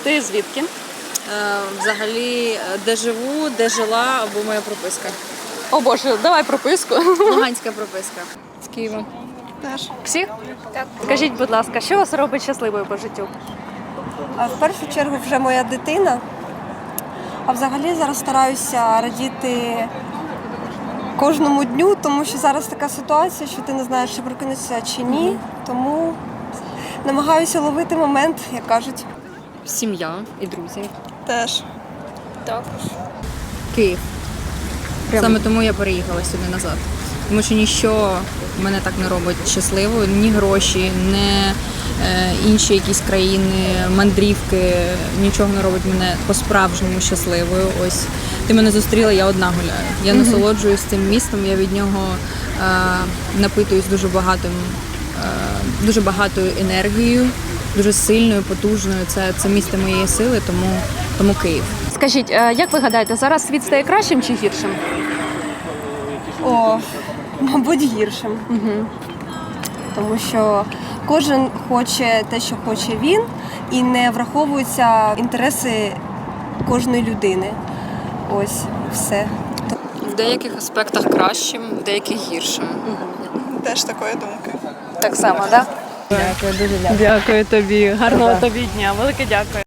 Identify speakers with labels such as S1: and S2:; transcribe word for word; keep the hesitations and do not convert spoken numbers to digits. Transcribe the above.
S1: Ти звідки?
S2: Е, Взагалі, де живу, де жила, або моя прописка.
S1: О Боже, давай прописку.
S2: Луганська прописка.
S1: З Києва.
S3: Теж.
S1: Всі? Так. Скажіть, будь ласка, що вас робить щасливою по життю?
S3: А в першу чергу вже моя дитина. А взагалі зараз стараюся радіти кожному дню, тому що зараз така ситуація, що ти не знаєш, чи прокинешся чи ні. Тому намагаюся ловити момент, як кажуть.
S2: Сім'я і друзі.
S3: Теж.
S2: Київ. Саме тому я переїхала сюди назад. Тому що ніщо мене так не робить щасливою, ні гроші, ні е, інші якісь країни, мандрівки, нічого не робить мене по-справжньому щасливою. Ось ти мене зустріла, я одна гуляю. Я насолоджуюсь цим містом, я від нього е, напитуюсь дуже багатим, е, дуже багатою енергією, дуже сильною, потужною. Це, це місто моєї сили, тому, тому Київ.
S1: Скажіть, е, як ви гадаєте, зараз світ стає кращим чи гіршим?
S3: О, мабуть, гіршим.
S1: Угу.
S3: Тому що кожен хоче те, що хоче він, і не враховуються інтереси кожної людини. Ось, все.
S2: В деяких аспектах кращим, в деяких гіршим.
S4: Теж такої думки.
S1: Так само, так?
S2: Дякую, дуже дякую.
S1: Дякую тобі. Гарного тобі дня. Велике дякую.